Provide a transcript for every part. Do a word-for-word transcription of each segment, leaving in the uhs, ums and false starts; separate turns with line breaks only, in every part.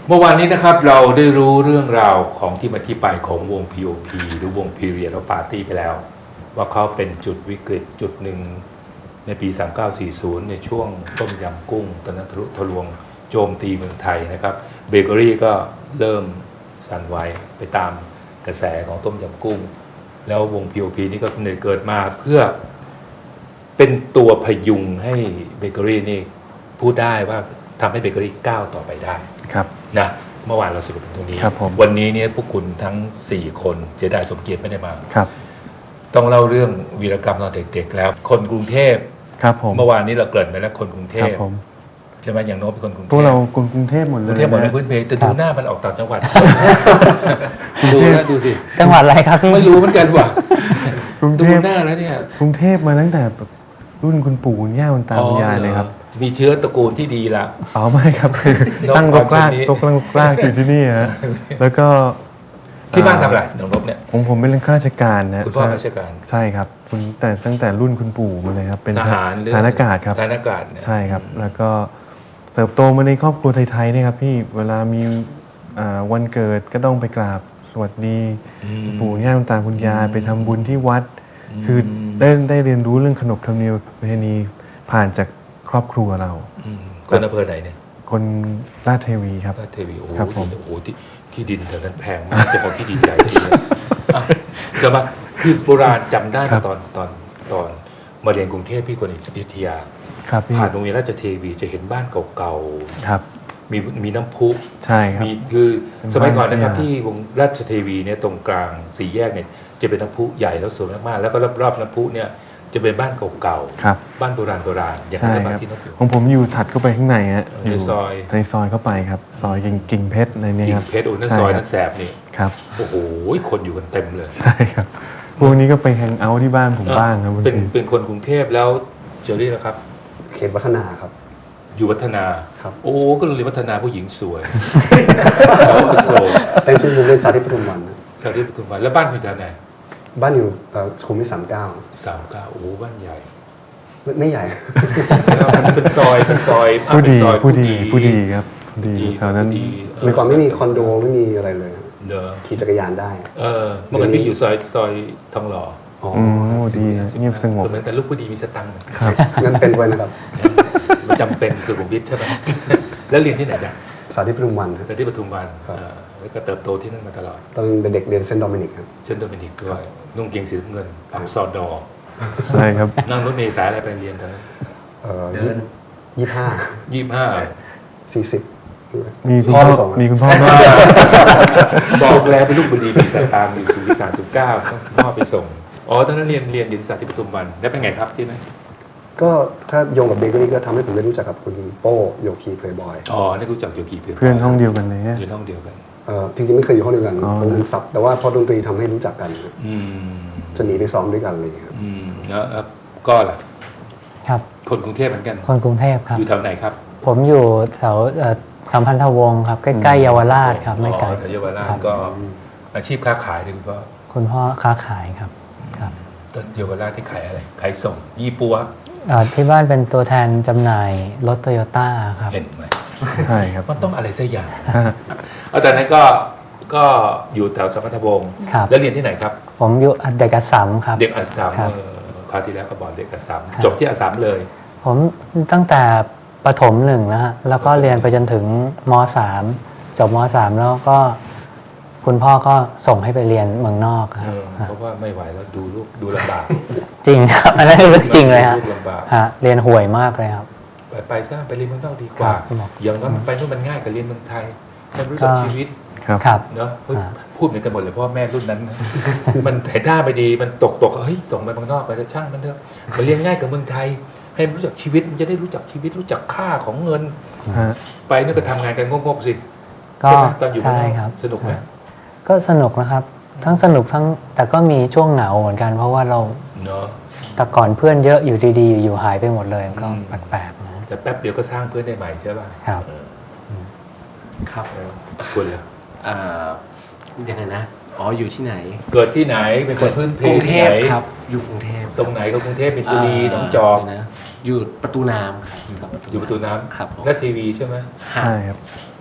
เมื่อวานนี้นะครับเราได้รู้เรื่องราวของที่มาที่ไปของวง พี โอ พี หรือวง Period of Party ไปแล้วว่าเขาเป็นจุดวิกฤตจุดหนึ่งในปีสามเก้าสี่ศูนย์ในช่วงต้มยำกุ้งตอนนั้นทะลุทะลวงโจมตีเมืองไทยนะครับเบเกอรี่ก็เริ่มสั่นไหวไปตามกระแสของต้มยำกุ้งแล้ววง พี โอ พี นี่ก็เกิดมาเพื่อเป็นตัวพยุงให้เบเกอรี่นี่พูดได้ว่าทำให้เบเกอรี่ก้าวต่อไปได้
ครับ
นะเมื่อวานเราสรุปตรงนี้
ครับผม
วันนี้เนี่ยพวกคุณทั้งสี่คนเจไดสมเกียรติไม่ได้มา
ครับ
ต้องเล่าเรื่องวีรกรรมตอนเด็กๆแล้วคนกรุงเทพ
ครับผม
เมื่อวานนี้เราเกริ่นไปแล้วคนกรุงเทพ
ครับผม
ใช่ไหมอย่างโน้ตเป็นคนกรุงเทพ
พวกเราคนกรุงเทพหมดเลย
กรุงเทพหมดเลยพื้นเพแต่ดูหน้ามันออกต่างจังหวัดดูนะดูสิ
จังหวัดอะไรครับพี่
ไม่รู้เหมือนกันว่ะ
กรุงเทพ
ดูหน้าแล้วเนี่ย
กรุงเทพมาตั้งแต่รุ่นคุณปู่คุณย่าคุณตาคุณยายเลยครับ
มีเชื้อตระกูลที่ดีละ
อ๋อไม่ครับคือตั้งรกรากตกตั้งรกรากอยู่ที่นี่ฮะแล้วก็
ที่บ้านทำอะไรน้องนบเนี่ย
ผมผมเป็นข้าราชการนะ
คุณพ่อราชการ
ใช่ครับคุณแต่ตั้งแต่รุ่นคุณปู่มาเลยครับเป็น
ทหาร
ทหารอากาศครับ
ทหารอากาศ
ใช่ครับแล้วก็เติบโตมาในครอบครัวไทยๆเนี่ยครับพี่เวลามีวันเกิดก็ต้องไปกราบสวัสดีปู่ย่าคุณตาคุณยายไปทำบุญที่วัดคือได้ได้เรียนรู้เรื่องขนบธรรมเนียมประเพณีผ่านจากครอบครัวเรา
คนอำเภอไหนเนี่ย
คนราชเทวีครับ
ราชเทวีโอ้
ครับผม
โหที่ที่ดินแถวนั้นแพงมากเจ้าของที่ดินใหญ่จริงเลยเดี๋ยวมาคือโบราณจำได้ตอนตอนตอนมาเรียนกรุงเทพพี่คนอยุธยาผ่านโรงเรียนราชเทวีจะเห็นบ้านเก่าๆมีมีน้ำพุ
ใช่ครับ
มีคือสมัยก่อนนะครับที่วงราชเทวีเนี่ยตรงกลางสี่แยกเนี่ยจะเป็นน้ำพุใหญ่แล้วสวยมากๆแล้วก็รอบๆน้ำพุเนี่ยจะเป็นบ้านเก่าๆบ้านโบราณโบราณอย่างนั้นบ้านที่นกอยู่
ของผมอยู่ถัดเข้าไปข้างในฮะ
ในซอย
ในซอยเข้าไปครับซอยกิ่งเพชรในนี้ครับ
กิ่งเพชรโอ้นั่นซอยนั่นแสบนี่
ครับ
โอ้โหคนอยู่กันเต็มเลย
ใช่ครับพวกนี้ก็ไปแฮงเอาท์ที่บ้านผมบ้างครับ
เป็นเป็นคนกรุงเทพแล้วเจอรี่นะครับ
เขตวัฒนาครับ
อยู่วัฒนา
ครับ
โอ้ก็เลยวัฒนาผู้หญิงสวยโอโซ
เป็นชื่อโรงเรียนสาธิตปทุมวัน
สาธิตปทุมวันแล้วบ้านคุณจะไหน
บ้านอยู่สุขุมวิทสามเก้า
สามเก้าโอ้บ้านใหญ่
ไม่ใหญ่
เป็นซอยเป็นซอย
ผู้ดีผู้ดีผู้ดีครับดีแถวนั้น
สมัยก่อนไม่มีคอนโดไม่มีอะไรเลย
เด้อ
ขี่จักรยานได้
เออเมื่อก่อนพี่อยู่ซอยซอยทองหล่อ
อ๋อดีเงียบสงบ
เหมือนแต่ลูกผู้ดีมีสตังค์
ครับ
งั้นเป็นไว้นะครับ
มันจำเป็นสุขุมวิทใช่ไหมแล้วเรียนที่ไหนจ๊ะ
สาธิตปทุมวัน
สาธิตปทุมวันแล้วก็เติบโตที่นั่นมาตลอด
ตอนเป็นเด็กเรียนเซนต์โดมินิกครับ
เซนต์โดมินิกด้วยนุ่งเกงสีน้ำเงินปักซอดอ
ใช่ครับ
นั่งรถเมล์สายอะไรไปเรียนตอนนั้น
เอ่อยี่สิบห้า
ยี่สิบห้า
สี่สิบ
มีคุณพ่อมีคุณพ่อ
บอกแล้วเป็นลูกบุรีมีสตางค์มีสุวิสารสุก้าพ่อไปส่งอ๋อตอนนั้นเรียนเรียนดิสาที่ปทุมวันแล้วเป็นไงครับที่นั่น
ก็ถ้าโยงกับเบเกอรี่ก็ทำให้ผมได้รู้จักกับคุณโป้โยคีเพลย์บอย
อ๋อได้รู้จักโยคีเพลย์บอย
เพื่อนห้องเดียวกันเลย
เพื่อนห้องเดียวกัน
เออจริงๆไม่เคยอยู่ห้องเดียวกันผมเป็นซับแต่ว่าพอดนตรีทำให้รู้จักกันจะหนีไปซ้อมด้วยกันเลยครับ
แล้วก็ล่ะ
ครับ
คนกรุงเทพเหมือนกัน
คนกรุงเทพครับ
อยู่แถวไหนครับ
ผมอยู่แถวสัมพันธวงศ์ครับใกล้ๆเยาวราชครับไม่ไกล
แถวเยาวราชก็อาชีพค้าขายเลยคุณพ่อ
คุณพ่อค้าขายครับครับ
ตอนเยาวราชที่ขายอะไรขายส่งยี่ปัว
ที่บ้านเป็นตัวแทนจำหน่ายรถโตโยต้าครับ
เห็นไหม
ใช่ครับ
มันต้องอะไรสักอย่างเอาแต่นั้นก็ก็อยู่แถวสัมพันธวงศ์แล้วเรียนที่ไหนครับ
ผมอยู่เด็กอัสสัมครับ
เด็กอัสสัมคราวที่แล้วก็บอกเด็กอัสสัมจบที่อัสสัมเลย
ผมตั้งแต่ประถมหนึ่งนะฮะแล้วก็เรียนไปจนถึงม.สาม จบม.สาม แล้วก็คุณพ่อก็ส่งให้ไปเรียนเมืองนอกครับ
เพราะว่าไม่ไหวแล้วดูลูกดูลำบาก
จริงครับอันนั้นเรื่องจริงเลยฮะฮะเรียนห่วยมากเลยครับ
ไปไปซะไปเรียนเมืองนอกดีกว่าอย่างนั้นไปนู่นมันง่ายกว่าเรียนเมืองไทยมันรู้จักชีวิต
ครับ
เนาะพูดเหมือนกันหมดเลยเพราะแม่รุ่นนั้นมันถ่ายท่าไปดีมันตกตกเฮ้ยส่งไปเมืองนอกไปจะช่างมันเถอะมันเรียนง่ายกว่าเมืองไทยให้รู้จักชีวิตมันจะได้รู้จักชีวิตรู้จักค่าของเงินไปนี่ก็ทำงานกันงกๆสิ
ก็ตอนอยู่ใช่ครับ
สนุกไหม
ก็สนุกนะครับทั้งสนุกทั้งแต่ก็มีช่วงเหงาเหมือนกันเพราะว่าเรา
เนาะ
แต่ก่อนเพื่อนเยอะอยู่ดีๆอยู่หายไปหมดเลยก็แปลกๆนะ
แต่แป๊บเดียวก็สร้างเพื่อนได้ใหม่ใช่ป่ะ
ครับ
ครับ
คุณเลย
อ่ายังไงนะอ๋ออยู่ที่ไหน
เกิดที่ไหนเป็นคนพื้นเพ
กรุงเทพครับอยู่กรุงเทพ
ตรงไหนก็กรุงเทพมีบุรีหนองจอก
นะอยู่ประตูน้ำครับ
อยู่ประตูน้ำ
ครับ
และทีวีใช่ไหม
ใช่ครับ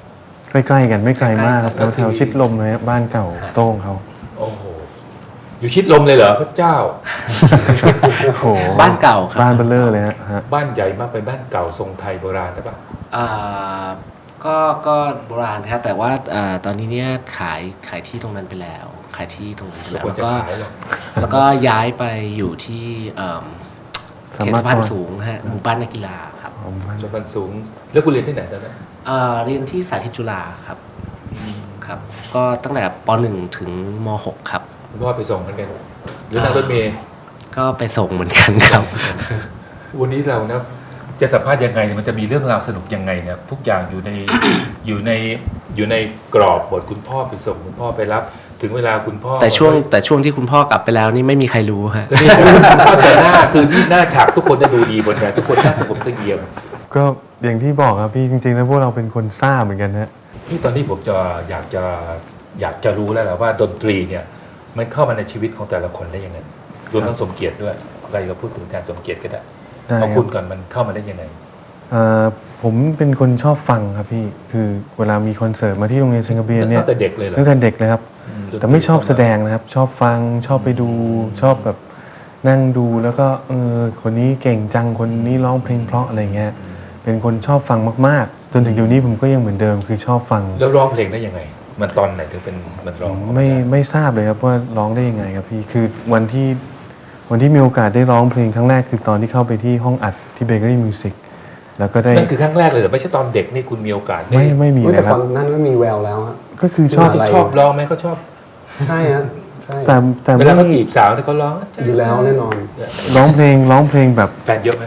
ใกล้ๆกันไม่ไกลมากครับ
ใกล้ๆกัน
แถวๆชิดลมเลยครับบ้านเก่าโต้งเขา
โอ้โหอยู่ชิดลมเลยเหรอพระเจ้า
โอ้โห
บ้านเก่าครับ
บ้านเบลเลอร์เลยฮะฮะ
บ้านใหญ่มากเป็นบ้านเก่าทรงไทยโบราณใช่ปะ
อ่าก็ก็โบราณครับแต่ว่าอ่าตอนนี้เนี่ยขายขายที่ตรงนั้นไปแล้ว ขายที่ตรงนั้นไป
แล้ว
แล้ว
ควร
แล้ว
จะ
ก็
ขายเหรอ
แล้วก็ย้ายไปอยู่ที่เอิ่ม
สา
เขต
มารถ
สะพานสูงฮะหมู่บ้านนักกีฬาครับ
ของบ้าน
ชนสูง แล้วคุณเรียนที่ไหนตอนนั้น
อ่าเรียนที่สาธิตจุฬาครับครับ ก็ตั้งแต่ป .หนึ่ง ถึงม .หก ครับ
คุณพ่อไปส่งกันกันหรือนั่งรถเมล์
ก็ไปส่งเหมือนกันครับ
วันนี้เรานะจะสัมภาษณ์ยังไงมันจะมีเรื่องราวสนุกยังไงเนี่ยทุกอย่างอยู่ใน อยู่ในอยู่ในกรอบบทคุณพ่อไปส่งคุณพ่อไปรับ ถึงเวลาคุณพ่อ
แต่ช่วงแต่ช่วงที่คุณพ่อกลับไปแล้วนี่ไม่มีใครรู้ฮะ
ก็นี่แต่หน้าคือที่หน้าฉากทุกคนจะดูดีหมดเลยทุกคนหน้าสงบเสงี่ยม
ก็อย่างที่บอกครับพี่จริงๆแล้วพวกเราเป็นคนซ่าเหมือนกันฮะ
ที่ตอนนี้ผมจะอยากจะอยากจะรู้แล้วแหละว่าดนตรีเนี่ยมันเข้ามาในชีวิตของแต่ละคนได้ยังไงรวมทั้งสมเกียรติด้วยใครก็พูดถึงแทนสมเกียรติก็ได้
ได้
เอา
ค
คุ
รับ
ณก่อนมันเข้ามาได้ยังไง
เอ่อผมเป็นคนชอบฟังครับพี่คือเวลามีคอนเสิร์ตมาที่โรงเรียนเซนกระเบียนเนี่ย
ตั้งแต่เด็กเลยเหรอ
ตั้งแต่เด็กเลยครับ
อืม
แต่ไม่ชอบแสดงนะครับ ชอบฟังชอบไปดูชอบแบบนั่งดูแล้วก็เออคนนี้เก่งจังคนนี้ร้องเพลงเพราะอะไรเงี้ยเป็นคนชอบฟังมากๆ จนถึงอยู่นี้ผมก็ยังเหมือนเดิมคือชอบฟัง
แล้วร้องเพลงได้ยังไง มันตอนไหนถึงเป็นมันร้อง
ไม่ไม่ทราบเลยครับว่าร้องได้ยังไงครับพี่คือวันที่วันที่มีโอกาสได้ร้องเพลงครั้งแรกคือตอนที่เข้าไปที่ห้องอัดที่เบเกอรี่มิวสิกแล้วก็ได้
นั่นคือครั้งแรกเลยเหรอไม่ใช่ตอนเด็กนี่คุณมีโอกาสได้
ไม่ไม่มี
เฮ้ย
เล
แต่
ยค
ต
รั
อบ นนั้นก็มีแววแล้วฮะ
ก็คือชอบ
อะไร
ชอบร้องไหมเขาชอบ
ใช่ฮะใช่
แต่แต่
เวลาเขา
ไม่
จีบสาวที่เขาร้อง
อยู่แล้วแน่นอน
ร้องเพลงร้องเพลงแบบ
แฟนเยอะไหม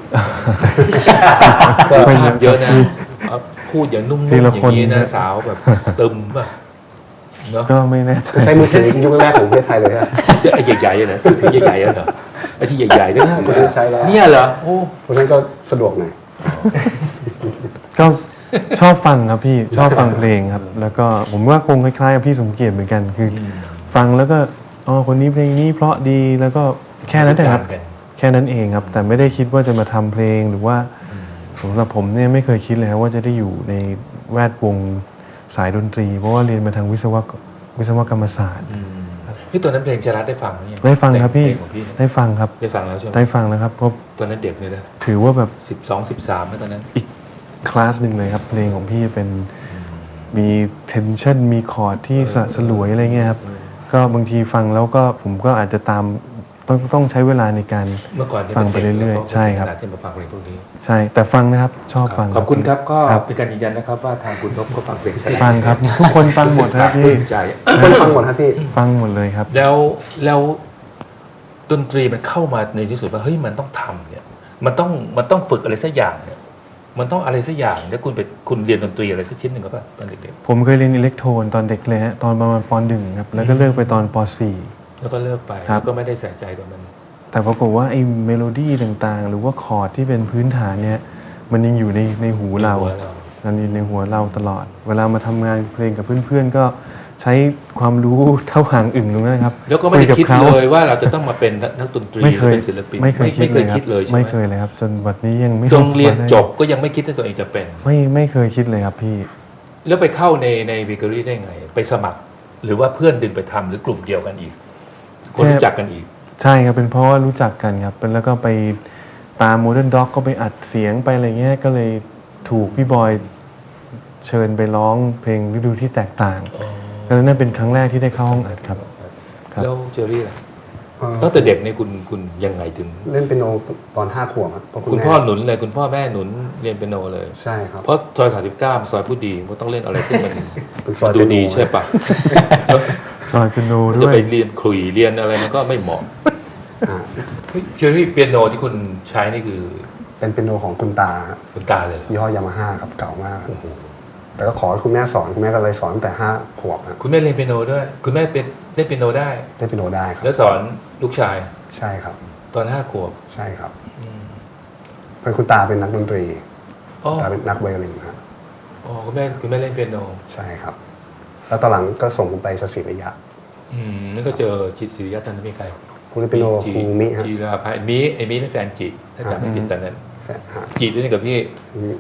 ก็
ภาพเยอะนะเอาพูดอย่างนุ่มๆ
ที
อย่า
ละ
ง
คน
นี้นะสาวแบบตึมป่ะเนาะ
ก็ไม่แน่ใจ
ใช้มือถือยุคแรกของประเทศไทยเลยฮะ
ไอ้ใหญ่ๆอะนะถือใหญ่ๆอะเหรอไอ้ที่ใหญ่ๆเนี่ย
ไม่ได้ใช้แล้ว
เนี่ยเหรอโอ้
เพราะฉะนั้นก็สะดวกหน่อย
ก็ชอบฟังครับพี่ชอบฟังเพลงครับ แล้วก็ผมว่าคงคล้ายๆกับพี่สมเกียรติเหมือนกันคืออฟังแล้วก็อ๋อคนนี้เพลงนี้เพราะดีแล้วก็แค่นั้นแต่ครับ
กัน
แค่นั้นเองครับ แต่ไม่ได้คิดว่าจะมาทำเพลงหรือว่าสำหรับผมเนี่ยไม่เคยคิดเลยครับว่าจะได้อยู่ในแวดวงสายดนตรี เพราะว่าเรียนมาทางวิศวกวิศวกรรมศาสตร์
พี่ตัวนั้นเพลงชรัตได้ฟังหรือยัง
ได้ฟังครับพี่
เพลงของพี่เนี่ย
ได้ฟังครับ
ได้ฟังแล้วใช่ไหม
ได้ฟังแล้วครับเพราะ
ตอนนั้นเด็กเลยนะ
ถือว่าแบบ
สิบสองสิบสามแล้วตอนนั้น
อีกคลาสหนึ่งเลยครับเพลงของพี่เป็นมีเทนชันมีคอร์ดที่สละสลวยอะไรเงี้ยครับก็บางทีฟังแล้วก็ผมก็อาจจะตามต้องต้องใช้เวลาในการ
เมื่อก่อนเนี่ย
ฟังไปเรื่อยๆใช่ครับ
ขนาดที่มาฟังเพลงพวกนี้
ใช่แต่ฟังนะครับชอบฟัง
ขอบคุณครับก็
ครับ
เป็นการยืนยันนะครับว่าทางคุณนพก็ฟังเพลงชรัต
ฟังครับทุกคนฟังหมดครับ
ป
พี่
ลื้มใจ
คนฟังหมดฮะพี่
ฟังหมดเลยครับ
แล้วแล้วดนตรีมันเข้ามาในที่สุดว่าเฮ้ยมันต้องทำเนี่ยมันต้องมันต้องฝึกอะไรสักอย่างเนี่ยมันต้องอะไรสักอย่างแล้วคุณไปคุณเรียนดนตรีอะไรสักชิ้นหนึ่งก็ป่ะตอนเด็ก
ผมเคยเรียนอิเล็กโทรนตอนเด็กเลยฮะตอนประมาณปหนึ่งครับแล้วก็เลิกไปตอนปสี่
ๆแล้วก็เลิกไป
ครับ
แล้วก็ไม่ได้ใส่ใจกับมัน
แต่ปรากฏว่าไอ้เมโลดี้ต่างๆ หรือว่าคอร์ดที่เป็นพื้นฐานเนี่ยมันยังอยู่ในในหูเรา
ในหัวเรา
มันอยู่ในหัวเราตลอด เวลามาทำงานเพลงกับเพื่อนๆ ก็ใช้ความรู้เท่าหางอึ่งตรงนั้นนะครับ
แล้วก็ไม่ได้
ยกับ
คิด
ขา
เลยว่าเราจะต้องมาเป็นนักดนตรี
ไม่เคย
หรือเป็นศิลปิน
ไม่เคยคิด
ไม่เคย
เลย
คิดเลยใช่ไหม
ไม่เคยเลยครับ จนวันนี้ยังไม่
จงเรียน
ได้
จบก็ยังไม่คิดว่าตัวเองจะเป็น
ไม่ไม่เคยคิดเลยครับพี่
แล้วไปเข้าในในเบเกอรี่ได้ไง ไปสมัคร หรือว่าเพื่อนดึงไปทำหรือกลุ่มเดียวกันอีก คนรู้จักกันอีก
ใช่ครับเป็นเพราะว่ารู้จักกันครับเป็นแล้วก็ไปตามโมเดิร์นด็อกก็ไปอัดเสียงไปอะไรเงี้ยก็เลยถูกพี่บอยเชิญไปร้องเพลงฤดูที่แตกต่างแล้วนั่นเป็นครั้งแรกที่ได้เข้าห้องอัดครับ ครับ
แล้วเจอรี่ล่ะ
เอ่อ
ตั้งแต่เด็กเนี่ยคุณคุณยังไงถึง
เล่นเปียโนตอนห้าขวบครับเพราะ
คุณ
แม่
พ่อหนุนเลยคุณพ่อแม่หนุนเรียนเปียโนเลย
ใช่ครับ
เพราะซอยสามสิบเก้าซอยผู้ดีก็ต้องเล่นอะไรซึ่งมัน
เป็นซ
มั
อน ย
ดู
เปียโน
ดีใช่ปะ
ซอยเปียโน
จะ
ด้วย
ไปเรียนขลุ่ยเรียนอะไรมันก็ไม่เหมาะ
อ่า
เฮ้ยเจอรี่เปียโนที่คุณใช้นี่คือ
เป็นเปียโนของคุณตาครับ
คุณตาเลยเหรอ
ยี่ห้อยามาฮ่าครับเก่ามาก แต่ก็ขอให้คุณแม่สอนคุณแม่ก็เลยสอนตั้งแต่ห้าขวบครับ
คุณแม่เรียนเปียโนด้วย คุณแม่เป็นเล่นเปียโนได้
ได้เปียโนได้ครับ
แล้วสอนลูกชาย
ใช่ครับ
ตอนห้าขวบ
ใช่ครับเป็นคุณตาเป็นนักดนตรี
อ๋อ
ตาเป็นนักไวโอลินครับ
อ๋อคุณแม่คุณแม่เล่นเปียโน
ใช่ครับ แล้วตอนหลังก็ส่งผมไปสศิริยะ
อืมนั่นก็เจอจิตศิริยะตอนนั้นมีใคร
คุณเล่นเปียโนครูมิครับ
จีราภาไอ้มิไอ้มินั่นแฟนจิถ้าจำไม่ผิดตอนนั้น
แฟนฮะ
จีด้วยกันกับพี่
ครับ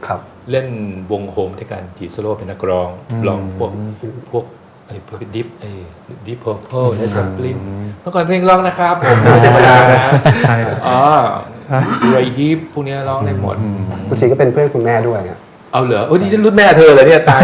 เล่นวงโฮมด้วยกันจีโซโล่เป็นนักร้องร้องพวกพวกไอ้พวกดิฟไอ้ดิฟเพอร์เพลและซัมปลินเมื่อก่อนเพลงร้องนะครับผมไม่ธรรมดานะ
ใช่ครับ
อ๋อไรฮิปพวกเนี้ยร้องได้หมด
คุณชีก็เป็นเพื่อนคุณแม่ด้วยครับ
เอาเหรอโอ้ยนี่ฉันรุ่นแม่เธอเลยเนี่ยตาย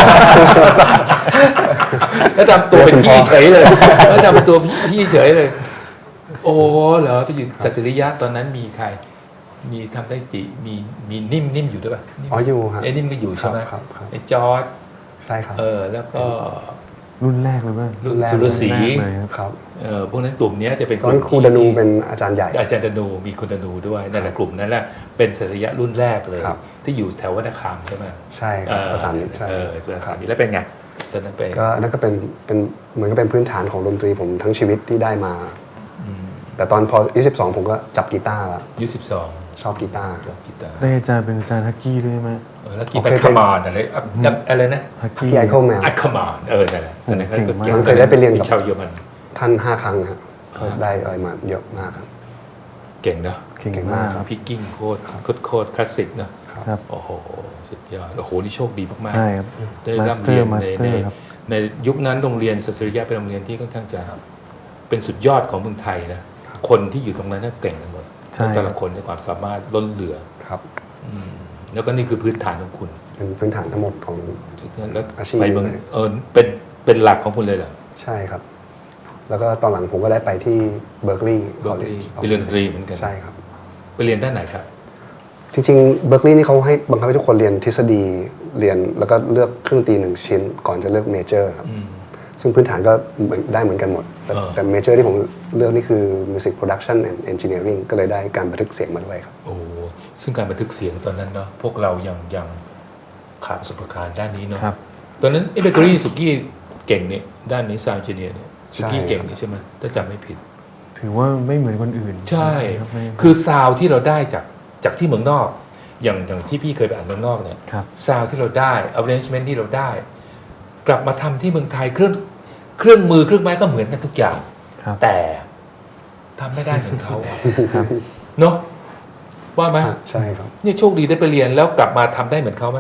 แล้วทำตัวเป็นพี่เฉยเลยแล้วทำเป็นตัวพี่เฉยเลย โอ้เหรอไปอยู่สัสริยะตอนนั้นมีใคร มีทำได้จีมีมีนิ่มนิ่มอยู่ด้วยป่ะนิ่ม
อ๋ออยู่ครับ
ไอ้นิ่มก็อยู่ใช่ไหม
ครับครับ
ไอ้จอร์ด
ใช่ครับ
เออแล้วก็
รุ่นแรกเลยว่า
รุ่น
รุ่นแรก
สุรศรี
แรกเลยครับ
ครับ
เออพวกนั้นกลุ่มเนี้ยจะเป็น
ตอนนั้นครูดนูเป็นอาจารย์ใหญ่
อาจารย์ดนูมีคุณดนูด้วยนั่นแหละกลุ่มนั้นแหละเป็นสัสริยะรุ่นแรกเลย
ครับ
ที่อยู่แถววัดนาคามใช่ไหม
ใช่ครับประสานมิตรใช่
เออประสานมิตรแล้วเป็นไงตอนนั้นไป
ก็นั่นก็เป็นเป็นเหมือนก็เป็นพื้นฐานของดนตรีผมทั้งชีวิตที่ได้มา แต่ตอนพออายุสิบสองผมก็จับกีตาร์แล้ว
อายุสิบสอง
ชอบกีตาร์
ร้องกีตาร์
ได้อาจารย์เป็นอาจารย์ฮักกี้ด้วยไหม
เออแล้วกีตาร์คามานอะไรอะอะไรนะ
ฮักกี้
ที่ไอคอนแมน
อัคามานเออนั่นแหละตอนนั้นก็
เก่งมาก
ก่ง
เคยได้ไปเรียนกับ
ชาวเยอรมัน
ท่านห้าครั้งครับก็ได้อะไรมาเยอะมากครับ
เก่งเนอะ
เก่ง
เก่ง
มาม
าก ก
ครับ
พิกกิ้งโคตรโคตรโคตรคลาสสิกเนอะ
ครับ
โอ้โหสุดยอดโอ้โหนี่โชคดีมากๆ
ใช่ครับ
ได้
มาส
ร่ำ
เตอ
เรียน
ร์มา
ใน
สเตอ
ใน
ร์ครับ
ในยุคนั้นโรงเรียนสศิริยะเป็นโรงเรียนที่ค่อนข้างจะเป็นสุดยอดของเมืองไทยนะคนที่อยู่ตรงนั้นน่ะเก่งกันหมด
ใช่
แต่ละคนในความสามารถล้นเหลือ
ครับ
อืมแล้วก็นี่คือพื้นฐานของคุณ
เป็นพื้นฐานทั้งหมดของ
แล้ว
อาชีพ
ไปเมือง
เลย
เออเป็นเป็นหลักของคุณเลยเหรอ
ใช่ครับ แล้วก็ตอนหลังผมก็ได้ไปที่เบิร์กลีย์
Berkeley ไปเรียนดนตรีเหมือนกัน
ใช่ครับ
ไปเรียนด้านไหนครับ
จริงๆเบิร์กลีย์นี่เขาให้บังคับให้ทุกคนเรียนทฤษฎีเรียนแล้วก็เลือกเครื่องดนตรีหนึ่งชิ้น ก่อนจะเลือกเมเจอร์ครับ
อืม
ซึ่งพื้นฐานก็เหมือนได้เหมือนกันหมด แต่
เออ
แต่เมเจอร์ที่ผมเลือกนี่คือ Music Production and Engineering ก็เลยได้การบันทึกเสียงมาด้วยครับ
โอ้ซึ่งการบันทึกเสียงตอนนั้นเนาะพวกเรายังยังขาดประสบการณ์ด้านนี้เนาะ
ครับ
ตอนนั้นเอเบเกอรี่สุกี้เก่งเนี่ยด้านนี้ซาวด์เจเนียเนี่ยสุกี้
ใช่
เก่งนี่ใช่ไหมถ้าจำไม่ผิด
ถือว่าไม่เหมือนคนอื่น
ใช่
ครับไม่
คือซาวด์ที่เราได้จากจากที่เมืองนอก อย่างอย่างที่พี่เคยไปอ่านเมืองนอกเนี่ย
ครับ
ซาวด์ที่เราได้ arrangement ที่เราได้ กลับมาทำที่เมืองไทยเครื่องเครื่องมือเครื่องไม้ก็เหมือนกันทุกอย่าง
ครับ
แต่ทำไม่ได้เหมือนเขาอะ
ครับ
เนาะว่าไหม
ใช่ครับ
เนี่ยโชคดีได้ไปเรียนแล้วกลับมาทำได้เหมือนเขาไหม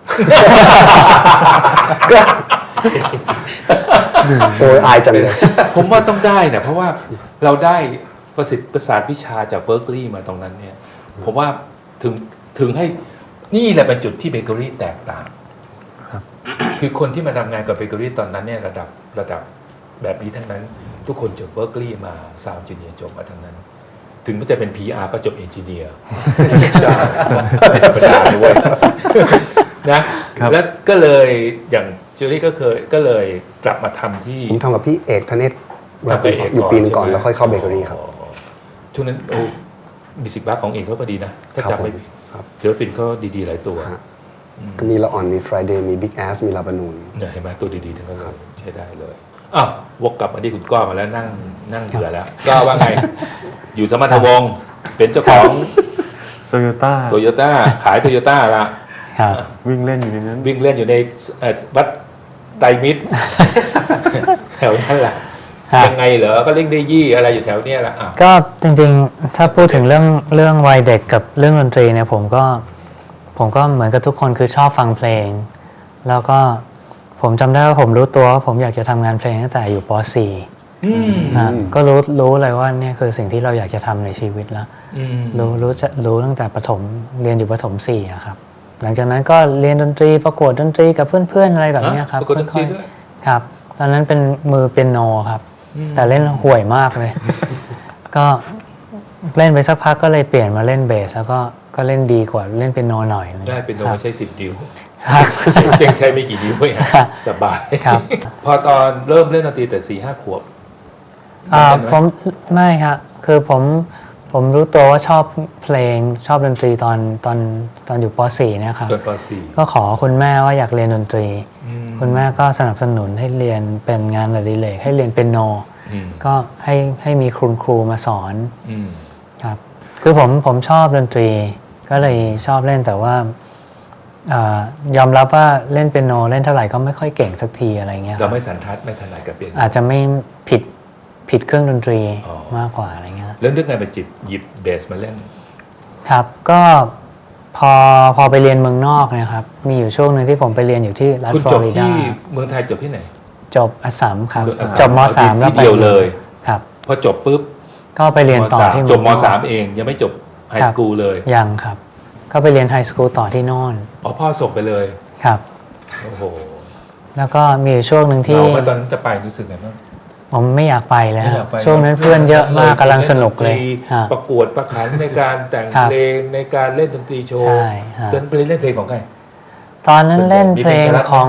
โอ้ยอายจังเลย
ผมว่าต้องได้นะเพราะว่าเราได้ประสิทธิ์ประสาทวิชาจากเบิร์กลีย์มาตรงนั้นเนี่ย ผมว่าถึงถึงให้นี่แหละเป็นจุดที่เบเกอรี่แตกต่าง
ครับ
คือคนที่มาทำงานกับเบเกอรี่ตอนนั้นเนี่ยระดับระดับแบบนี้ทั้งนั้น ทุกคนจบเบิร์กลีย์มาซาวด์เอนจิเนียร์จบมาทั้งนั้น ถึงมันจะเป็น พี อาร์ ก็จบเอนจิเนียร์ใช่ไม่ธรรมดาเลยเว้ยนะครับ แล้วก็เลยอย่างเจอรี่ก็เคยก็เลยกลับมาทำที่
ผมทำกับพี่เอกธเนศ
ทำไปเอก
อยู่ปีนึงก่อน
ใช่ไหม
แล้วค่อยเข้าเบเกอรี่ครับ
อ๋อช่วงนั้นโอ้มิสิกบัคของเอกเขาก็ดีนะ ถ้า
ครับ
จำไม่
ผม
ผิด
ครับ
ศิลปินก็ดีๆหลายตัว
ฮะ ก็มีละอ่อนมี Friday มี Big Ass มีลาบานูน
เนี่ยเห็นไหมตัวดีๆทั้งนั้นเลยใช้ได้เลยอ้าววกกลับมาที่คุณก้อมาแล้วนั่งนั่งเบื่อแล้วก้อว่าไง อยู่สมรรถวงศ์เป็นเจ้าของ
โตโยต้า
โตโยต้าขายโตโยต้าละ
ครับ
วิ่งเล่นอยู่ในนั้น
วิ่งเล่นอยู่ในเอ่อวัดไตรมิตร แถวนั้นแหละ
ครับ
ยังไงเหรอก็เล่นได้ยี่อะไรอยู่แถวเนี้ยแหละอ่ะ
ก็จริงๆ ถ้าพูดถึงเรื่องเรื่องวัยเด็กกับเรื่องดนตรีเนี่ยผมก็ผมก็เหมือนกับทุกคนคือชอบฟังเพลง แล้วก็ผมจำได้ว่าผมรู้ตัวว่าผมอยากจะทำงานเพลงตั้งแต่อยู่ป .สี่
อืม
นะก็รู้รู้เลยว่าเนี่ยคือสิ่งที่เราอยากจะทำในชีวิตแล้ว
อืม
รู้รู้จะรู้ตั้งแต่ประถมเรียนอยู่ประถมสี่อะครับ หลังจากนั้นก็เรียนดนตรีประกวดดนตรีกับเพื่อนๆอะไรแบบเนี้ยครับ
ประกวดดนตรีด้วย
ๆครับ ตอนนั้นเป็นมือเปียโนครับ
อืม
แต่เล่นห่วยมากเลย ก็เล่นไปสักพักก็เลยเปลี่ยนมาเล่นเบสแล้วก็ก็เล่นดีกว่าเล่นเปียโนหน่อย
ได้เป็นโน
ครับ
มาใช้สิบนิ้ว
ครับ
ยังใช้ไม่กี่นิ้วเอง
ครับ
สบาย
ครับ
พอตอนเริ่มเล่นดนตรีแต่สี่ห้าขวบ
อ่า
ได้ไหม
ผมไม่ครับคือผมผมรู้ตัวว่าชอบเพลงชอบดนตรีตอนตอนตอนอยู่ป .สี่ เนี่ยครับ
จนป .สี่
ก็ขอคุณแม่ว่าอยากเรียนดนตรี
อืม
คุณแม่ก็สนับสนุนให้เรียนเป็นงานอดิเรกให้เรียนเปียโน
อืม
ก็ให้ให้มีครูครูมาสอน
อืม
ครับคือผมผมชอบดนตรี ก็เลยชอบเล่นแต่ว่าอายอมรับว่าเล่นเปียโนเล่นเท่าไหร่ก็ไม่ค่อยเก่งสักทีอะไรเงี้ยค
เรา
รับ
ไม่สันทัดไม่ถนัดกับเปียโน
อาจจะไม่ผิดผิดเครื่องดนตรี
อ๋อ
มากกว่าอะไรเงี้ย
แล้วเรื่องไงไปจิบหยิบเบสมาเล่น
ครับก็พอพอไปเรียนเมืองนอกเนะครับ มีอยู่ช่วงหนึ่งที่ผมไปเรียนอยู่ที่รัฐ
คุณ
ฟล
จ
อบ ริดา
ที่เมืองไทยจบที่ไหน
จบอัสสัมครับ
อัสสัม
จบมสาม
ที่
แล้วไป
เดียวเลย
ครับ
พอจบปุ๊บ
ก็ไปเรียนต่อ
มสาม
ที่
จบม
เองนอก
สามเองยังไม่จบไฮสคูลเลย
ยังครับ ก็ไปเรียนไฮสคูลต่อที่โน่น
อ๋อพ่อส่งไปเลย
ครับ
โอ้โห
แล้วก็มีอยู่ช่วงหนึ่งที่
เราเมื่อตอนนั้นจะไปรู้สึกไงบ้าง
ผมไม่อยากไปแล้ว
ไม่อยากไป
ช่วงนั้นเพื่อนเยอะมากกำลังสนุกเลย
ดนตรี
ฮะ
ประกวดประขันในการแต่ง
ครับ
เพลงในการเล่นดนตรีโชว์
ใช่ฮะ
เล่นเพลงเล่นเพลงของใคร
ตอนนั้นเล่นเพลงของ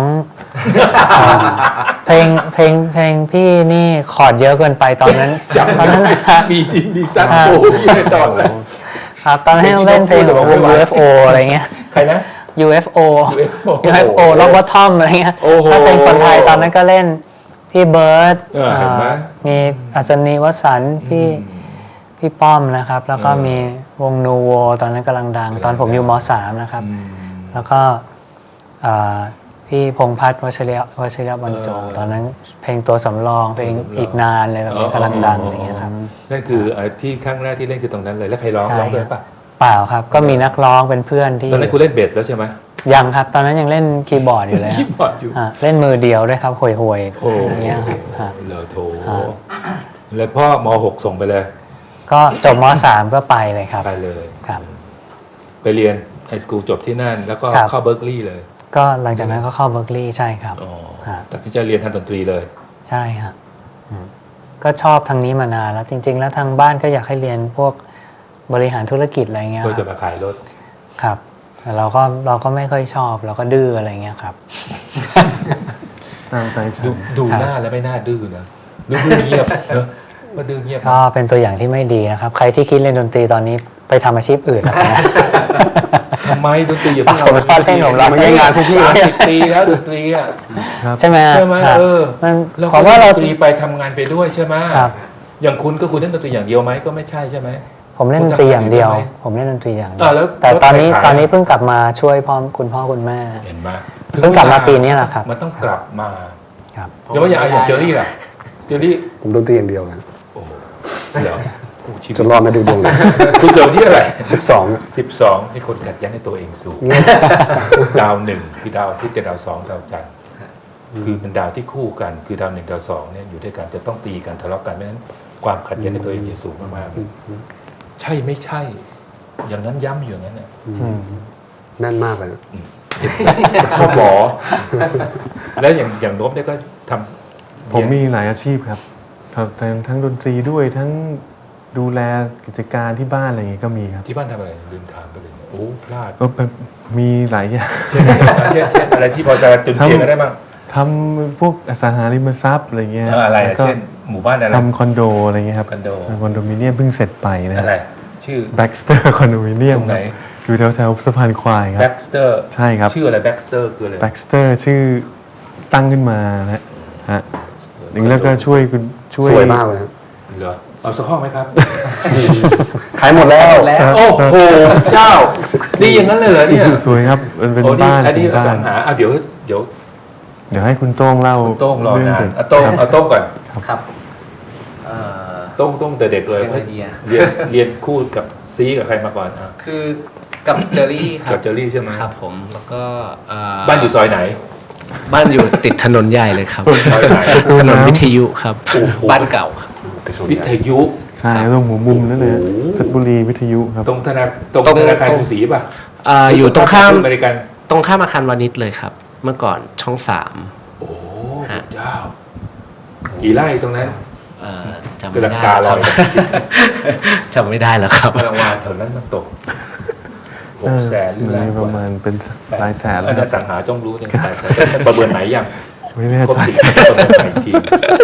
เพลงเพลงเพลงพี่นี่คอร์ดเยอะเกินไปตอนนั้น
จำ
ตอนนั้นนะฮะ
มีดินมีซัด
ฮะ
โอ้ยในตอนนั้น
ครับตอนนั้นเล่นเพลงของวง ยู เอฟ โอ อะไรเงี้ย
ใครนะ
ยู เอฟ โอ
ยู เอฟ โอ
ยู เอฟ โอ ล็อกบอททอมอะไรเงี้ย
โอ้โห
ถ้าเป็นคนไทยตอนนั้นก็เล่นพี่เบิร์ด
เออเห็นไหม
อ่ามีอัศนีวสันต์พี่พี่ป้อมนะครับ แล้วก็
เออ
มีวงนูโวตอนนั้นกำลังดัง ตอนผมอยู่มสามนะครับ
อืม
แล้วก็อ่าพี่พงษ์พัฒน์วชิรยวชิรบรรจง
เออ
ตอนนั้นเพลงตัวสำรองเพลง
ตัวสำรอง
อีกนานเลยแบบนี้กำลังดังอะไรเงี้ยครับ
นั่นคือเอ่อที่ครั้งแรกที่เล่นคือตรงนั้นเลยแล้วใครร้อง
ใช่
ร้องด้วยปะ
เปล่าครับ ก็มีนักร้องเป็นเพื่อนที่
ตอนนั้นคุณเล่นเบสแล้วใช่ไหม
ยังครับ ตอนนั้นยังเล่นคีย์บอร์ดอยู่เลย
คีย์บอร์ดอยู่
อ่ะเล่นมือเดียวด้วยครับห่วยห่วยๆ
โอ้
อย่างเงี้ยครับอ่ะ
เหลือโถ
อ่า
แล้วพ่อมหกส่งไปเลย
ก็จบมสามก็ไปเลยครับ
ไปเลย
ครับ
ไปเรียนไฮสคูลจบที่นั่น แล้วก็
ครับ
เข้าเบิร์กลีย์เลย
ก็หลังจากนั้นก็เข้าเบอร์กลีย์ใช่ครับ
อ๋อ
ฮะ
ตัดสินใจเรียนทางดนตรีเลย
ใช่ครับอืมก็ชอบทางนี้มานานแล้ว จริง ๆ แล้วทางบ้านก็อยากให้เรียนพวกบริหารธุรกิจอะไรเงี้ย
เพื่อ
ค
จะ
รับ
มาขายรถ
ครับแต่เราก็เราก็ไม่ค่อยชอบเราก็ดื้ออะไรเงี้ยครับ
ตามใจฉั
ดู
น
ดู
ครับ
หน้าแล้วไม่น่าดื้อนะดูดื้อเงียบเนอะมาดื้อเงียบ
ก็เป็นตัวอย่างที่ไม่ดีนะครับ ใครที่คิดเล่นดนตรีตอนนี้ไปทำอาชีพอื่นแล้วกันนะ
ทำไมดนตรีอย่าเพิ่ง
ผมล้อเล่นผมล้อเล่น
งานพวกพี่สามสิบปีแล้วดนตรีอ่ะ
ใช่ไหม
ใช่ไหม
ครับ
เออ
มัน
เรา
ผม
ก็
ว่า
เล่น
เรา
ดนตรีไปทำงานไปด้วยใช่ไหม
ครับ
อย่างคุณก็คุณเล่นดนตรีอย่างเดียวไหมก็ไม่ใช่ใช่ไหม
ผมเล่นดนตรีอย่างเดียว
คุณทำงานอยู่ด้วยไหม
ผมเล่นดนตรีอย่างเดี
อ่าแล้ว
แต่ตอนนี้
แล้วใครขาย
ตอนนี้เพิ่งกลับมาช่วยพ่อคุณพ่อคุณแม่
เห็นไหม
เพิ่งกลับมาปีนี้แหละครับ
มันต้องกลับมา
ครับ
เดี๋ยวว่าอย่างอย่างเจอรี่ล่ะเจอรี่
ผมดนตรีอย่างเดียวนะ
โอ้โหเดี๋ยวโอ้ชีวิต
จะรอดไหมาดูดวงเลย
คุณเกิดวันที่อะไร
สิบสอง
สิบสองนี่คนกัดยันในตัวเองสูง ดาวหนึ่งคือดาวอาทิตย์กับดาวสองดาวจันทร์คือเป็นดาวที่คู่กัน คือดาวหนึ่งดาวสองเนี่ยอยู่ด้วยกันจะต้องตีกันทะเลาะกันไม่นั้นความขัดแย้งในตัวเองจะสูงมากๆเลยใช่ไม่ใช่ อย่างนั้นย้ำอยู่อย่างนั้นเนี่ย
อืม
แม่นมากเลยนะ
พ่อหมอ แล้วอย่างอย่างนบเนี่ยก็ทำ
ผมมีหลายอาชีพครับทำทั้งทั้งดนตรีด้วยทั้งดูแลกิจการที่บ้านอะไรอย่างงี้ก็มีครับ
ที่บ้านทำอะไรลืมถามไปเลยเนี่ยโอ้พลาด
ก็เป็นมีหลายอย่าง
เช่นเช่นเช่นอะไรที่พอจะจุนเจียกันได้บ้าง
ทำพวกอสังหาริมทรัพย์อะไรเงี้ย
เอออะไร
แล้ว
นะ
ก็
เช่นหมู่บ้านอะไร
ทำคอนโดอะไรเงี้ยครับ
คอนโด
คอนโดมิเนียมเพิ่งเสร็จไปนะ
อะไรชื่อ
แบ็กสเตอร์คอนโดมิเนียม
ตรงไหน
อยู่แถวแถวๆสะพานควายครั
แบ็
บ
กสเตอร์
ใช่ครับ
ชื่ออะไรแบ็กสเตอร์คืออะไร
แบ็กสเตอร์ชื่อตั้งขึ้นมานะฮะหนึ่งแล้วก็ช่วยคุณช่วย
สวยมากเลยนะ
เหรอเอาสักห้องไหมครับ
ขายหมดแล้ว
โอ้โหเจ้า ดีอย่างนั้นเลยเหรอเนี่ย
สวยครับมันเป็น
โอ้นี่
บ้าน
อันนี้
เป็น
อ
บ้า
สั
น
งหาอ่ะเดี๋ยวเดี๋ยว
เดี๋ยวให้คุณโต้งเล่า
โต้งรอนาน
เด็ก
เอาโต้ง
ครับ
เอาโต้งก่อน
ครับเอ่อ
โต้งโต้งแต่เด็กเลย
เป็นไอเดีย
เรียนเรียนคู่กับซีกับใครมาก่อนอ่ะ
คือกับเจอรี่ครับ
กับเจอรี่ใช่ไหม
ครับผมแล้วก็เ
บ้านอยู่ซอยไหน
บ้านอยู่ติดถนนใหญ่เลยครับ
ซอยไหน
ถนนวิทยุครับ
โอ้โห
บ้านเก่าครับ
วิทยุ
ใช่ตรงหัวมุมนั่นเลย
โอ้โห
เพชรบุรีวิทยุครับ
ตรงธนาตรง
ตรง
ธนาคารกรุงศรีป่ะ
เอ่ออยู่ตรงข้าม
อเมริกัน
ตรงข้ามอาคารวานิชเลยครับ เมื่อก่อนช่องสาม
โอ้
ฮะ
เจ้า กี่ไร่ตรงนั้น
เอ่อจำไม่ได้
กำลังตาล
ค
อ
รับ
ย
จำไม่ได้แล้วครับ
พลังวานแถวนั้นมันตกหกแสนหรือ
มั
ล้าน
น
ก
ประ
ว่า
มาณเป็นหลายแสนแล้ว
อัน
ค
นี้
รับ
สังหาจ้องรู้เนี่ยหลายแสนแต่ประเมินไหนยัง
ไม่แน่
ครบ
ใจ
สิบประเมินไหนอีกที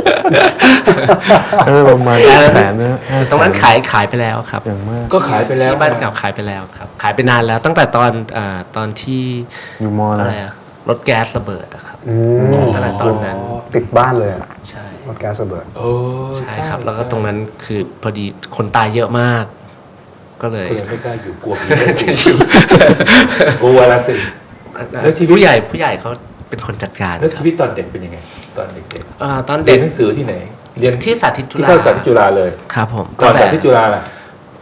เออประมาณแสนนะห้แส
ตรงนั้นขายขายไปแล้วครับ
อย่างมาก
ก็ขายไปแล้ว
ที่บ้านเก่าขายไปแล้วครับ ขายไปนานแล้วตั้งแต่ตอนเอ่อตอนที่
อยู่มอ
อะไร
แล้ว
อะรถแก๊สระเบิดอะครับ
อืม
ตั้งแต่ตอนนั้น
ติดบ้านเลยอะ
ใช่
รถแก๊สระเบิด
เออ
ใช่ครับ แล้วก็ตรงนั้นคือพอดีคนตายเยอะมาก ก็เลย
ก็เลยไม่กล้าอยู่กลัวผีละสิกลัวละสิ แล้วชีวิต
ผู้ใหญ่ผู้ใหญ่เขาเป็นคนจัดการ
แล้ว
ครั
ชี
บ
วิตตอนเด็กเป็นยังไง ตอนเด็ก
อ่าตอน
ๆเรี
เด็
ย
ก
นหนังสือที่ไหน เรียน
ที่สาธิตจุ
ที่
ฬา
เข้าสาธิตจุฬาเลย
ครับผม
ก่อน
ตั้ง
สา
แต่
ธิตจุฬาล่ะ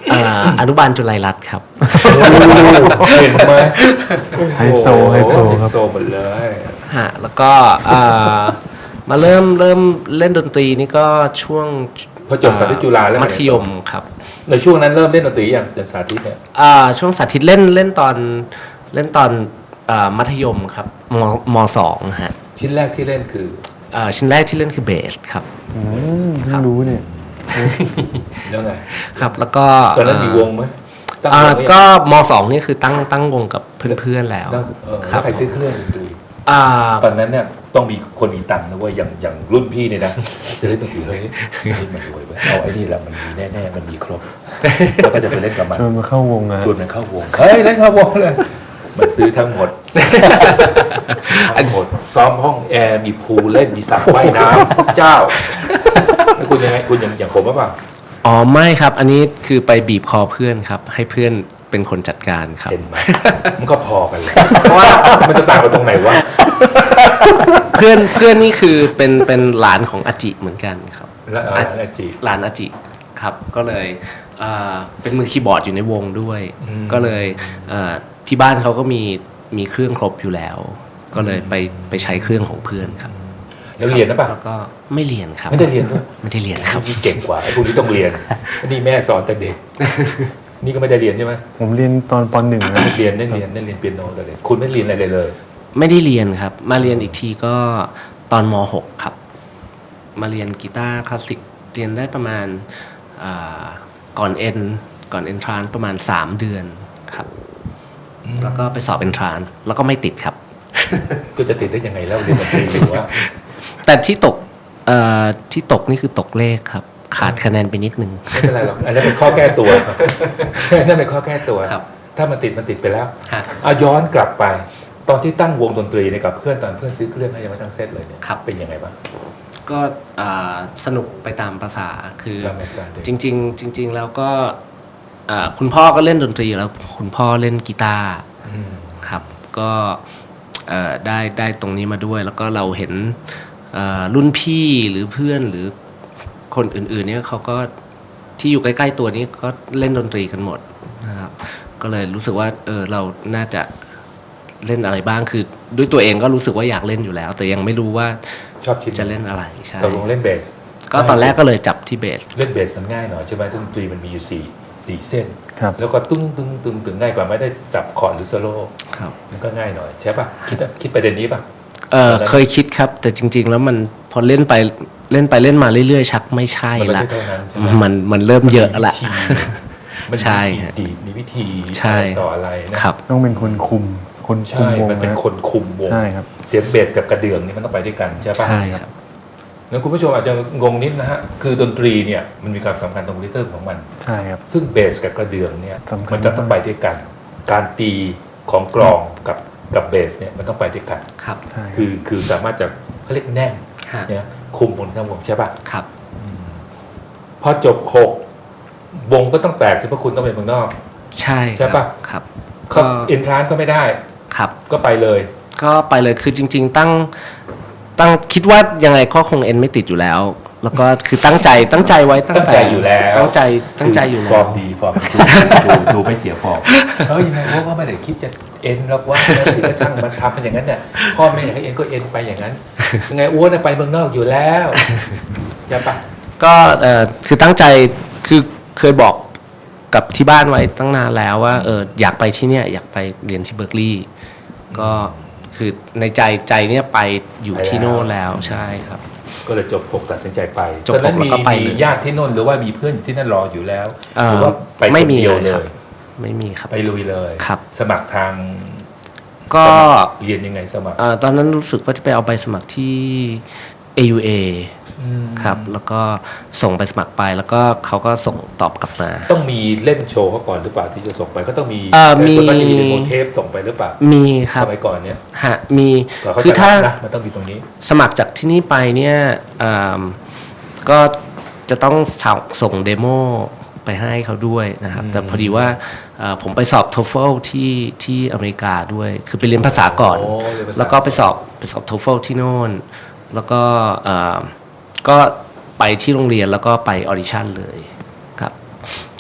อ่าอนุบาลจุฬารัตน์ครับ
เห็นไหม
ไฮโซไฮโซ
ไฮ
ครับ
โซหมดเลย
ฮะแล้วก็อ่ามาเริ่มเริ่มเล่นดนตรีนี่ก็ช่วง
พอจบสาธิตจุฬาแล้ว
มัธยมครับ
ในช่วงนั้นเริ่มเล่นดนตรีอย่างจากสาธิตเนี่ย
อ่าช่วงสาธิตเล่นเล่นตอนเล่นตอนอ่ามัธยมครับมมสองฮะ
ชิ้นแรกที่เล่นคือ
อ่าชิ้นแรกที่เล่นคือเบสครับ
อืมเพิ่งรู้เนี่ย
แล้วไง
ครับแล้วก็
ตอนนั้นมีวงไหมตั้ง
อ่าว
งหรือยัง
ก็มสองนี่คือตั้งตั้งวงกับเพื่อนๆแล้ว
ตั้งเออ
ค
แล้
รั
ว
บ
ใครซื้อเครื่องดนตรี
อ่า
ตอนนั้นเนี่ยต้องมีคนมีตังค์นะเว้ยอย่างอย่างรุ่นพี่เนี่ยนะจะเล่นดนตรีเฮ้ยนี่มันรวยเว้ยเอาไอ้นี่แหละมันมีแน่ๆมันมีครบแล้วก็จะไปเล่นกับมัน
ชวนมาเข้าวงอะ
ชวนมันเข้าวงเฮ้ยเล่นเข้าวงเลยมันซื้อทั้งหมดทั้งหมดซ้อมห้องแอร์มีพูลเล่นมีสระว่ายน้ำเจ้าแล้วคุณยังไงคุณอย่างอย่างผมหรือเปล่า
อ๋อไม่ครับ อันนี้คือไปบีบคอเพื่อนครับ ให้เพื่อนเป็นคนจัดการครับ
เห็นไหมมันก็พอกันเลยเพราะว่ามันจะต่างกันตรงไหนวะ
เพื่อนเพื่อนนี่คือเป็นเป็นหลานของอาจิเหมือนกันครับ
แล้วเอาอะไรจี
หลานอาจิครับ ก็เลยอ่าเป็นมือคีย์บอร์ดอยู่ในวงด้วย
อืม
ก็เลยอ่าที่บ้านเขาก็มีมีเครื่องครบอยู่แล้ว ก็เลยไปไปใช้เครื่องของเพื่อนครับ
แล้วเรียนนะป่ะ
แล้วก็ไม่เรียนครับ
ไม่ได้เรียนด้วย
ไม่ได้เรียนครับ
นี่เก่งกว่าไอ้พวกนี้ต้องเรียนนี่แม่สอนแต่เด็ก นี่ก็ไม่ได้เรียนใช่ไหม
ผมเรียนตอนปหนึ่งนะ
เรียนได้เรียนได้เรียนเปียโนแต่เด็กคุณไม่เรียนอะไรเลยเลย
ไม่ได้เรียนครับ มาเรียนอีกทีก็ตอนม หก ครับ มาเรียนกีตาร์คลาสสิกเรียนได้ประมาณอ่าก่อนเอ็นก่อนเอนทรานประมาณสามเดือนครับ แล้วก็ไปสอบเอนทรานแล้วก็ไม่ติดครับ
ก็จะติดได้ยังไงแล้วเรียนดนตรีหรือว่า
แต่ที่ตกเอ่อที่ตกนี่คือตกเลขครับ ขาดคะแนนไปนิดนึง
ไม่เป็นไรหรอกอันนั้นเป็นข้อแก้ตัว อันนั่นเป็นข้อแก้ตัว
ครับ
ถ้ามันติดมันติดไปแล้ว
ฮะ
เอาย้อนกลับไป ตอนที่ตั้งวงดนตรีเนี่ยกับเพื่อนตอนเพื่อนซื้อเครื่องให้ยังไม่ทั้งเซตเลยเนี่ย
ครับ
เป็นยังไงบ้าง
ก็อ่าสนุกไปตามภาษาคือ
ตามภาษาเด็ก
จริง ๆ จริง ๆ แล้วก็อ่าคุณพ่อก็เล่นดนตรีแล้วคุณพ่อเล่นกีตาร์
อืม
ครับก็เอ่อได้ได้ตรงนี้มาด้วย แล้วก็เราเห็นเอ่อรุ่นพี่หรือเพื่อนหรือคนอื่นๆเนี่ยเขาก็ที่อยู่ใกล้ๆตัวนี้ก็เล่นดนตรีกันหมดนะครับก็เลยรู้สึกว่าเออเราน่าจะเล่นอะไรบ้างคือด้วยตัวเองก็รู้สึกว่าอยากเล่นอยู่แล้ว แต่ยังไม่รู้ว่า
ชอบชิ้น
จะเล่นอะไรใช่
ตกลงเล่นเบส
ก็ตอนแรกก็เลยจับที่เบส
เล่นเบสมันง่ายหน่อยใช่ไหมดนตรีมันมีอยู่สี่สี่เส้น
ครับ
แล้วก็ตึ้งตึ้งตึ้งตึ้งง่ายกว่าไม่ได้จับคอร์ดหรือโซโล่
ครับ
มันก็ง่ายหน่อยใช่ป่ะคิดคิดประเด็นนี้ป่ะ
เออเคยคิดครับ แต่จริง ๆ แล้วมันพอเล่นไปเล่นไปเล่นมาเรื่อยๆ ชักไม่ใช่
มันไม่
ละ
ใช่เท่านั้นใช่ไหม
มันมันเริ่มเยอะละ
มัน
ใช่
มี
ฮะ
วิธีดีดมีวิธี
ใช่
อะไรต่ออะไรนะครับ
ต้องเป็นคนคุม คนคุ
ใช่
มวง
มันเป็น
นะ
คนคุมวง
ใช่ครับ
เสียงเบสกับกระเดื่องนี่มันต้องไปด้วยกันใช่ป่ะ
ใช่ครับ
แล้วคุณผู้ชมอาจจะงงนิดนะฮะคือดนตรีเนี่ยมันมีความสำคัญตรงริทึมของมัน
ใช่ครับ
ซึ่งเบสกับกระเดื่องเนี่ย
สำคัญ
มันจะต้องไปด้วยกัน การตีของกลองกับกับเบสเนี่ยมันต้องไปด้วยกัน
ครับ
ใช่รับ
คือคือสามารถจะเขาเรียกแน่น
ฮะ
เนี่ยคุมบนทั้งวงใช่ป่ะ
ครับ
พอจบหกวงก็ต้องแตกสิเพราะคุณต้องเป็นเมืองนอก
ใช่
ใช่ปะ
ครับ
เขา
ก็
เอนทรานก็ไม่ได้
ครับ
ก็ไปเลย
ก็ไปเลยคือจริง ๆ ตั้งตั้งคิดว่ายังไงก็คงเอ็นไม่ติดอยู่แล้ว แล้วก็คือตั้งใจตั้งใจไว้ตั้ง
ตั้ง
แต่
ใจอยู่แล้ว
ตั้งใจตั้งใจอยู่
ฟ
แล้
อ
ว
ร์มดีฟอร์มดีดูดูไม่เสียฟอร์มเฮ้ยยังไงว่าก็ไม่ได้คิดจะเอ็นหรอกว่าถึงก็ช่างมันทำเป็นอย่างนั้นเนี่ยพ่อแม่อยากให้เอ็นก็เอ็นไปอย่างนั้นยังไงอ้วนน่ะไปเมืองนอกอยู่แล้วใช่ปะ
ก็เอ่อคือตั้งใจคือเคยบอกกับที่บ้านไว้ตั้งนานแล้วว่าเอออยากไปที่เนี่ยอยากไปเรียนที่เบิร์กลีย์ก็คือในใจใจเนี่ยไปอยู่ที่โน่นแล้วใช่ครับ
ก็เลยจบหกตัดสินใจไป
จบ
ตอนนั้น
หกแล้ว
มี
ก็ไป
มี
เลย
ญาติที่โน่นหรือว่ามีเพื่อนที่นั่นรออยู่แล้ว
เอ่อ
หรือว่าไป
ไม่
คน
มี
เดียว
เลย
เล
ครับ
ย
ไม่มีครับ
ไปลุยเลย
ครับ
สมัครทาง
ก็
สมัครเรียนยังไงสมัคร
เอ่อตอนนั้นรู้สึกว่าจะไปเอาใบสมัครที่ เอ ยู เอ ครับ แล้วก็ส่งไปสมัครไปแล้วก็เขาก็ส่งตอบกลับมา
ต้องมีเล่นโชว์เขาก่อนหรือเปล่าที่จะส่งไปเขาต้องมี
เอ่อมี
แต่ส่วนากจะมีเดโมเทปส่งไปหรือเปล่า
มีครั
ส
บ
มัยก่อนเนี่ย
ฮะมี
ก่อนเขา
คือ
จะ
ถ้า
รับนะมันต้องมีตรงนี้
สมัครจากที่นี่ไปเนี่ยอ่าก็จะต้องส่งเดโมไปให้เขาด้วยนะครับ แต่พอดีว่าเอ่อผมไปสอบ โทเฟิล ที่ที่อเมริกาด้วย คือไปเรียนภาษาก่อน
โอ้เรียนภาษา
แล้วก็ไปสอบไปสอบ โทเฟิล ที่โน่น แล้วก็เอ่อก็ไปที่โรงเรียนแล้วก็ไปออดิชั่นเลยครับ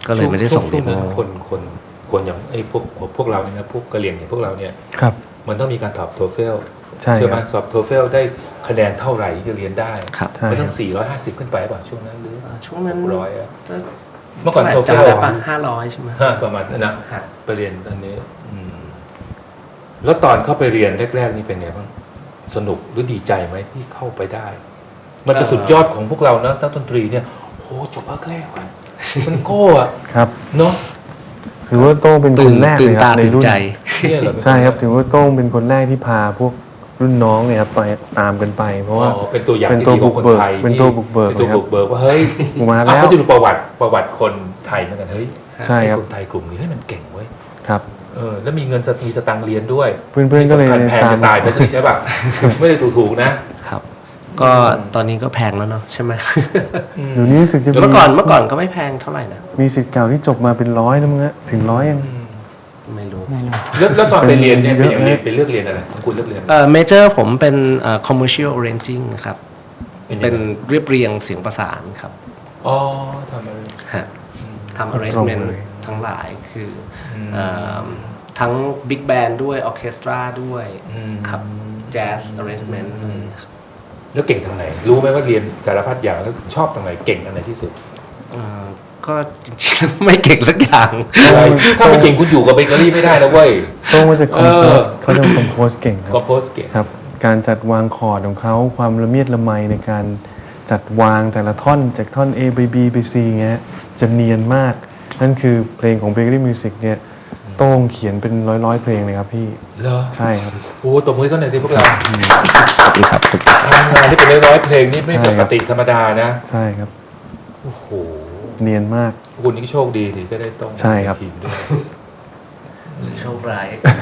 ก็เลยไม่ได้ส่ง
ช่
เด
วง
โม
นั้นคนคนคนอย่างไอ้พวกพวกเราเนี่ยนะพวกกะเหรี่ยงอย่างพวกเราเนี่ย
ครับ
มันต้องมีการสอบโทเฟล
ใช่
ไหม
ครับ
สอบโทเฟลได้คะแนนเท่าไหร่ที่จะเรียนได้
ครับ
ใช่
มัน
ค
ต้
รั
อบ งสี่ร้อยห้าสิบขึ้นไปป่ะช่วงนั้นหรือ
ช่วงนั้น
ร้อยอะ
จะ
เมื่อก่อนโทเฟ
จำ
ล
ได้ปะห้าร้อยใช่ไหม
ห้าประมาณนั้นนะ
ฮะ
ไปเรียนอันนี้อืมแล้วตอนเข้าไปเรียนแรกๆนี่เป็นไงบ้างสนุกหรือดีใจไหมที่เข้าไปได้ มันเป็นสุดยอดของพวกเรานะนักดนตรีเนี่ยโหจบภาคแรกว่ะมันโก้อะ
ครับ
เนาะ
ถือว่าโต้งเป็นค
ตื่น
นแรก
ตื่
เล
น
ยค
ตา
รับใน
ตื่น
รุ่น
ใจ
เนี่ยเหรอ
ใช่ครับถือว่าโต้งเป็นคนแรกที่พาพวกรุ่นน้องเนี่ยครับไปตามกันไป เพราะว่า
อ๋อเป็นตัวอย่าง
เป็น
ที่
ตัว
ดีของคน
บุกเบิก
ไทย
เป็นตัวบุกเบิก
เป็นตัว
เลยครับ
บุกเบิกว่าเฮ้ย
กูมา
อ่ะ
แล้ว
เขาจะดูประวัติประวัติคนไทยเหมือนกันเฮ้ย
ใช่ครับ
ไอ้คนไทยกลุ่มนี้ให้ยมันเก่งเว้ย
ครับ
เออแล้วมีเงินสมีสตังค์เรียนด้วย
เพื่อนๆก็เลย
ที่สำคัญแพง
ตาม
จะตายไปเลยใช่ป่ะ ไม่ได้ถูกๆนะ
ครับ ก็ตอนนี้ก็แพงแล้วเนาะใช่ไหม
เดี๋ยวนี้รู้สึกจะมี
เมื่อก่อนเมื่อก่อนก็ไม่แพงเท่าไหร่นะ
มีสิทธิ์เก่าที่จบมาเป็นร้อยแล้วมั้งฮะถึงร้อยยัง
ไม่รู้
ไม่รู้
แล้วแล้วตอนไปเรียนเนี่ย
เป็
เป็น
น
อย่าง
เย
เรีย
อะ
นเป็นเลือกเรียนอะไรของคุณเลือกเรียน
เอ่อเมเจอร์ผมเป็นเอ่อ commercial arranging ครับ
เป็นยังไง
เป็นเรียบเรียงเสียงประสานครับ
อ๋อทำอะไร
ฮะทำ arrangement
ตรงเลย
ทั้งหลายคืออ
ม
เอ่อทั้ง big band ด้วย orchestra ด้วย
อืม
ครับ jazz arrangement อะไรอย่างเงี้ยครับ
แล้วเก่งทางไหน รู้ไหมว่าเรียนสารพัดอย่างแล้วชอบทางไหนเก่งอันไหนที่สุด
เอ่อก็จริงๆ ไม่เก่งสักอย่าง
อะไรถ้าไม่เก่งคุณอยู่กับเบเกอรี่ไม่ได้นะเว้ย
โต้งว่าจะคอมโพ
เอ
ส
อ
เขาจะคอมโพสเก่งค
ก็
รับ
โพสเก่ง
ครับ การจัดวางคอร์ดของเขาความละเมียดละไมในการจัดวางแต่ละท่อนจากท่อน A ไป B ไป C เงี้ยจะเนียนมาก นั่นคือเพลงของ Bakery Music เนี่ยโต้งเขียนเป็นร้อยร้อยๆเพลงเลยครับพี่
เหรอ
ใช่ครับ
โอ้ตบมือเขาหน่อยสิพวกเรา
ขอบคุณครับ
ทำงานที่เป็นร้อยๆเพลงนี่ไม่ปกติธรรมดานะ
ใช่ครับ
โอ้โห
เนียนมาก
คุณนี่โชคดีที่ก็ได้ต้อง
ใช่ครับ
ทีมด้วย
โชคร้าย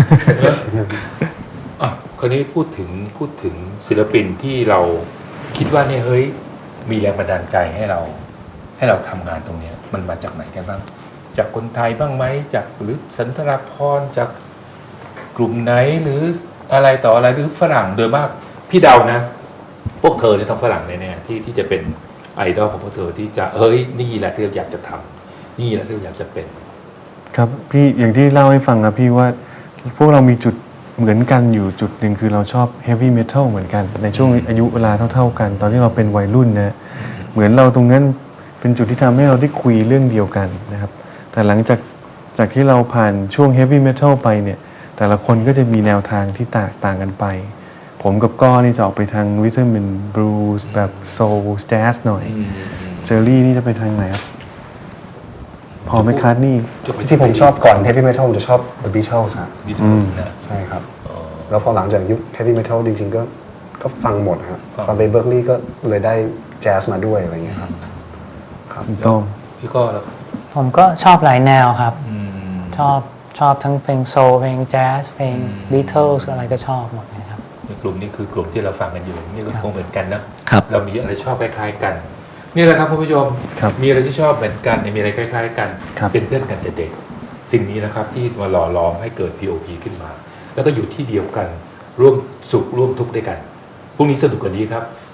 อ่ะคราวนี้พูดถึงพูดถึงศิลปินที่เราคิดว่าเนี่ยเฮ้ยมีแรงบันดาลใจให้เรา ให้เราทำงานตรงเนี้ยมันมาจากไหนกันบ้าง จากคนไทยบ้างไหมจากหรือสันทราพรจากกลุ่มไหนหรืออะไรต่ออะไรหรือฝรั่งโดยมากพี่เดานะ พวกเธอเนี่ยต้องฝรั่งแน่ๆที่ที่จะเป็นไอดอลของพวกเธอที่จะเฮ้ยนี่แหละที่เราอยากจะทำนี่แหละที่เราอยากจะเป็น
ครับพี่อย่างที่เล่าให้ฟังครับพี่ว่าพวกเรามีจุดเหมือนกันอยู่จุดหนึ่งคือเราชอบเฮฟวี่เมทัลเหมือนกัน ในช่วงอายุเวลาเท่าๆกัน ตอนที่เราเป็นวัยรุ่นนะเหมือนเราตรงนั้นเป็นจุดที่ทำให้เราได้คุยเรื่องเดียวกันนะครับ แต่หลังจากจากที่เราผ่านช่วงเฮฟวี่เมทัลไปเนี่ยแต่ละคนก็จะมีแนวทางที่ต่างต่างกันไป ผมกับก้อนี่จะออกไปทางริทึมเป็นบลูส์แบบโซลแจ๊สหน่อยเจอรี่นี่จะไปทางไหนครับพอไหมคาร์ทนี่
ที่ผมชอบก่อน heavy metal ผมจะชอบ The Beatles ครับ
บีทลส์นะ
ใช่ครับ แล้วพอหลังจากยุค heavy metal จริงๆก็ก็ฟังหมดครับ
ฟัง
ตอนไปเบิร์กลีย์ก็เลยได้แจ๊สมาด้วยอะไรอย่างเงี้ยครับครับ
ถูกต้อง
พี่ก็แล้ว
ผมก็ชอบหลายแนวครับ
อืม
ชอบชอบทั้งเพลงโซลเพลงแจ๊สเพลง
อืม
บีเทิลส์อะไรก็ชอบหมดเลยครับ
ในกลุ่มนี้คือกลุ่มที่เราฟังกันอยู่นี่ก็คงเหมือนกันนะครับ เรามีอะไรชอบคล้ายๆกัน นี่แหละครับคุณผู้ชม
ครับ
มีอะไรที่ชอบเหมือนกันมีอะไรคล้าย ๆ กัน
ครับ
เป็นเพื่อนกันแต่เด็ก สิ่งนี้นะครับที่มาหล่อหลอมให้เกิด พี โอ พี ขึ้นมา แล้วก็อยู่ที่เดียวกันร่วมสุขร่วมทุกข์ด้วยกันพรุ่งนี้สนุกกว่านี้ครับ